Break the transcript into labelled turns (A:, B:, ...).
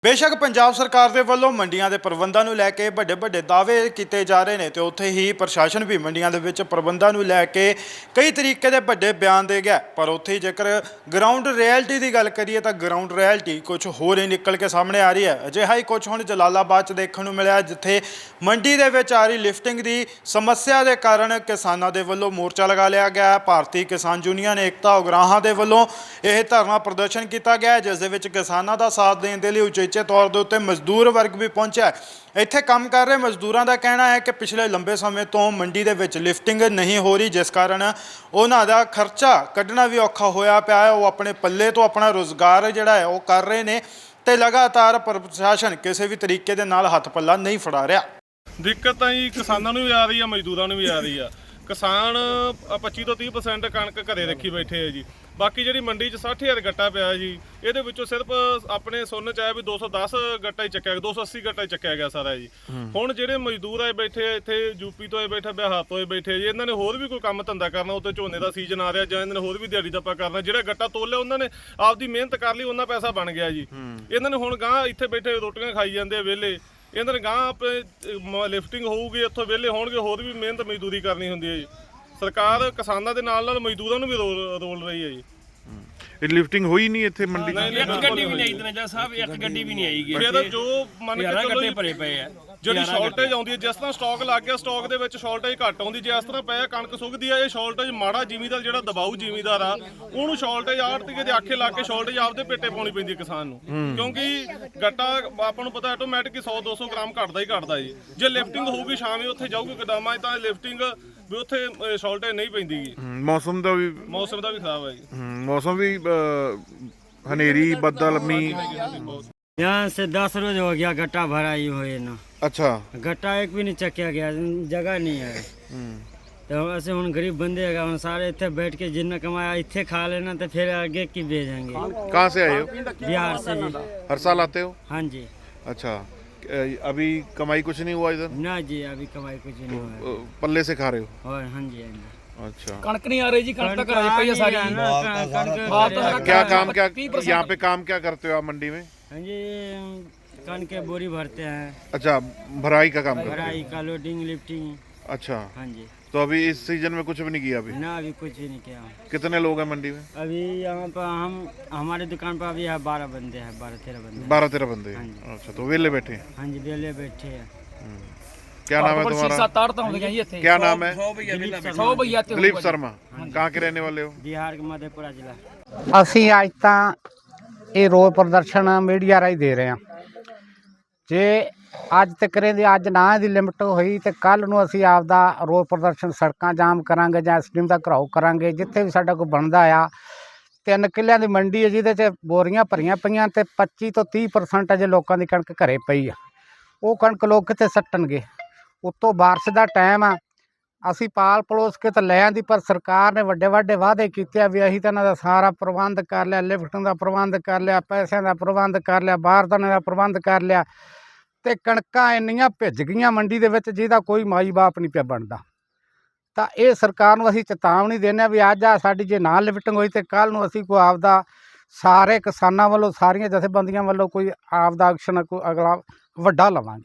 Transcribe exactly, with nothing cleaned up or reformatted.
A: बेशक पंजाब सरकार के वलों मंडियां के प्रबंधों को लैके बड़े बड़े दावे किए जा रहे हैं तो उत्थे ही प्रशासन भी मंडियां के प्रबंधों को लैके कई तरीके के बड़े बयान दे गया। पर उत्थे जेकर ग्राउंड रियलिटी की गल करिए तो ग्राउंड रियलिटी कुछ होर ही निकल के सामने आ रही है। अजिहा ही कुछ हुण जलालाबाद च देखने को मिला जिथे मंडी के विच आ रही लिफ्टिंग की समस्या के कारण किसानों के वलों मोर्चा लगा लिया गया। भारतीय किसान यूनियन एकता उगराहां के वलों यह धरना प्रदर्शन किया गया जिस दे विच किसानों का साथ देने के लिए उचेचे तौर के उत्ते मजदूर वर्ग भी पहुंचा है। इत्थे काम कर रहे मजदूरों का कहना है कि पिछले लंबे समय तो मंडी के विच लिफ्टिंग नहीं हो रही जिस कारण उन्हां दा खर्चा कढ़ना भी औखा होया पिया है। वो अपने पल्ले तो अपना रोज़गार जिहड़ा है वो कर रहे हैं तो लगातार प्रशासन किसी भी तरीके दे नाल हथ पल्ला नहीं फड़ा रहा।
B: दिक्कत तो जी किसानों भी आ रही है, मजदूरों भी आ रही है। किसान पच्ची तो तीह परसेंट कणक घरे रखी बैठे है जी। बाकी जी मंडी च साठ हज़ार गट्टा पिया जी, ये सिर्फ अपने सुन च आया भी दो सौ दस गट्टा ही चक्या दो सौ अस्सी गट्टा ही चक्या गया सारा जी। हुण जिहड़े मजदूर आए बैठे इत्थे यूपी तो आए बैठे, बिहार तो आए बैठे जी, इन्होंने होर भी कोई काम धंधा करना, उत्ते झोने का सीजन आ रहा जां इन्होंने होर भी दिहाड़ी दप्पा करना। जिहड़ा गट्टा तोलिया उन्होंने आपदी मेहनत कर ली, उन्ना पैसा बन गया जी। इन्होंने हुण गांह इत्थे बैठे रोटियां खाई जांदे वेले, इन्होंने गांह अपने लिफ्टिंग होऊगी इत्थों वेले होणगे, होर भी मेहनत मजदूरी करनी हुंदी है जी। सरकार किसानों के नाल नाल मजदूरों भी रोल रोल रही है जी।
C: लिफ्टिंग हुई नहीं इत्थे मंडी
D: एक गड्डी भी नहीं इतने साहब एक गड्डी भी नहीं आईगी।
B: फिर जो मन के चलो
D: भरे पे है
B: ਜਿਹੜੀ ਸ਼ਾਰਟੇਜ ਆਉਂਦੀ ਹੈ, ਜਿਸ ਤਰ੍ਹਾਂ ਸਟਾਕ ਲੱਗ ਗਿਆ ਸਟਾਕ ਦੇ ਵਿੱਚ ਸ਼ਾਰਟੇਜ ਘੱਟ ਆਉਂਦੀ, ਜੇ ਇਸ ਤਰ੍ਹਾਂ ਪਿਆ ਕਣਕ ਸੁੱਕਦੀ ਆ, ਇਹ ਸ਼ਾਰਟੇਜ ਮਾੜਾ ਜ਼ਿਮੀਦਾਰ ਜਿਹੜਾ ਦਬਾਊ ਜ਼ਿਮੀਦਾਰ ਆ ਉਹਨੂੰ ਸ਼ਾਰਟੇਜ ਆੜਤੀਏ ਦੇ ਆਖੇ ਲਾ ਕੇ ਸ਼ਾਰਟੇਜ ਆਪਦੇ ਪੇਟੇ ਪਾਉਣੀ ਪੈਂਦੀ ਕਿਸਾਨ ਨੂੰ, ਕਿਉਂਕਿ ਗੱਟਾ ਆਪਾਂ ਨੂੰ ਪਤਾ ਆਟੋਮੈਟਿਕ ਸੌ ਦੋ ਸੌ ਗ੍ਰਾਮ ਘਟਦਾ ਹੀ ਘਟਦਾ ਜੀ। ਜੇ ਲਿਫਟਿੰਗ ਹੋਊਗੀ ਸ਼ਾਮੇ ਉੱਥੇ ਜਾਊਗੀ ਗੋਦਾਮਾਂ 'ਚ ਤਾਂ ਲਿਫਟਿੰਗ ਵੀ ਉੱਥੇ ਸ਼ਾਰਟੇਜ ਨਹੀਂ ਪੈਂਦੀ ਜੀ।
C: ਮੌਸਮ ਦਾ ਵੀ
B: ਮੌਸਮ ਦਾ ਵੀ ਖਰਾਬ ਹੈ ਜੀ।
C: ਮੌਸਮ ਵੀ ਹਨੇਰੀ ਬੱਦਲ ਮੀਂਹ।
E: यहाँ से दस रोज हो गया गट्टा भराई हुए ना।
C: अच्छा
E: गट्टा एक भी नहीं चक्या गया, जगह नहीं है। तो ऐसे हम गरीब बंदे हैं, हम सारे इतने बैठ के जितना कमाया इतने खा लेना तो फिर आगे की भेजेंगे।
C: कहाँ से आए हो?
E: बिहार से जी।
C: हर साल आते हो?
E: हाँ जी।
C: अच्छा, अभी कमाई कुछ नहीं हुआ इधर?
E: ना जी अभी कमाई कुछ नहीं हुआ।
C: पल्ले से खा रहे हो?
E: और हाँ जी हाँ जी।
D: अच्छा कणक नहीं आ रही जी, कणक तक आ रही सारी।
C: क्या काम क्या यहाँ पे काम क्या करते हो आप मंडी में?
E: हाँ जी कण के बोरी भरते हैं।
C: अच्छा, भराई का काम करते हो?
E: भराई का लोडिंग लिफ्टिंग।
C: अच्छा
E: हाँ जी।
C: तो अभी इस सीजन में कुछ भी नहीं किया अभी?
E: ना अभी कुछ भी नहीं किया।
C: कितने लोग हैं मंडी में?
E: अभी यहाँ पर हम हमारे दुकान पर अभी है बारह बंदे हैं, बारह तेरह बंदे।
C: बारह तेरह बंदे? अच्छा, तो वेले बैठे हैं?
E: हाँ जी वेले बैठे हैं।
C: क्या नाम है तुम्हारा? क्या नाम है? दिलीप शर्मा। कहाँ के रहने वाले हो?
E: बिहार के मधेपुरा जिला।
F: ਅਸੀਂ ਅੱਜ ਤਾਂ ਇਹ ਰੋਸ ਪ੍ਰਦਰਸ਼ਨ ਮੀਡੀਆ ਰਾਹੀਂ ਦੇ ਰਹੇ ਹਾਂ। ਜੇ ਅੱਜ ਤੱਕ ਦੇ ਅੱਜ ਨਾ ਦੀ ਲਿਮਟ ਹੋਈ ਤੇ ਕੱਲ ਨੂੰ ਅਸੀਂ ਆਪਦਾ ਰੋਸ ਪ੍ਰਦਰਸ਼ਨ ਸੜਕਾਂ ਜਾਮ ਕਰਾਂਗੇ ਜਾਂ ਐਸਡੀਐਮ ਦਾ ਘਰਾਓ ਕਰਾਂਗੇ, ਜਿੱਥੇ ਵੀ ਸਾਡਾ ਕੋਈ ਬਣਦਾ ਆ। ਤਿੰਨ ਕਿੱਲਿਆਂ ਦੀ ਮੰਡੀ ਹੈ ਜਿਹਦੇ 'ਚ ਬੋਰੀਆਂ ਭਰੀਆਂ ਪਈਆਂ ਤੇ ਪੱਚੀ ਤੋਂ ਤੀਹ ਪਰਸੈਂਟ ਅਜੇ ਲੋਕਾਂ ਦੀ ਕਣਕ ਘਰੇ ਪਈ ਆ। ਉਹ ਕਣਕ ਲੋਕ ਕਿੱਥੇ ਸੱਟਣਗੇ? ਉੱਤੋਂ ਬਾਰਿਸ਼ ਦਾ ਟਾਈਮ ਆ, ਅਸੀਂ ਪਾਲ ਪਲੋਸ ਕੇ ਤਾਂ ਲੈ ਆਂਦੀ, ਪਰ ਸਰਕਾਰ ਨੇ ਵੱਡੇ ਵੱਡੇ ਵਾਅਦੇ ਕੀਤੇ ਵੀ ਅਸੀਂ ਤਾਂ ਇਹਨਾਂ ਦਾ ਸਾਰਾ ਪ੍ਰਬੰਧ ਕਰ ਲਿਆ, ਲਿਫਟਿੰਗ ਦਾ ਪ੍ਰਬੰਧ ਕਰ ਲਿਆ, ਪੈਸਿਆਂ ਦਾ ਪ੍ਰਬੰਧ ਕਰ ਲਿਆ, ਬਾਰਦਾਨੇ ਦਾ ਪ੍ਰਬੰਧ ਕਰ ਲਿਆ, ਤੇ ਕਣਕਾਂ ਇੰਨੀਆਂ ਭਿੱਜ ਗਈਆਂ ਮੰਡੀ ਦੇ ਵਿੱਚ ਜਿਹਦਾ ਕੋਈ ਮਾਈ ਬਾਪ ਨਹੀਂ ਪਿਆ ਬਣਦਾ। ਤਾਂ ਇਹ ਸਰਕਾਰ ਨੂੰ ਅਸੀਂ ਚੇਤਾਵਨੀ ਦਿੰਦੇ ਹਾਂ ਵੀ ਅੱਜ ਆ ਸਾਡੀ ਜੇ ਨਾ ਲਿਫਟਿੰਗ ਹੋਈ ਤੇ ਕੱਲ੍ਹ ਨੂੰ ਅਸੀਂ ਕੋਈ ਆਪਦਾ ਸਾਰੇ ਕਿਸਾਨਾਂ ਵੱਲੋਂ ਸਾਰੀਆਂ ਜਥੇਬੰਦੀਆਂ ਵੱਲੋਂ ਕੋਈ ਆਪਦਾ ਐਕਸ਼ਨ ਕੋਈ ਅਗਲਾ ਵੱਡਾ ਲਵਾਂਗੇ।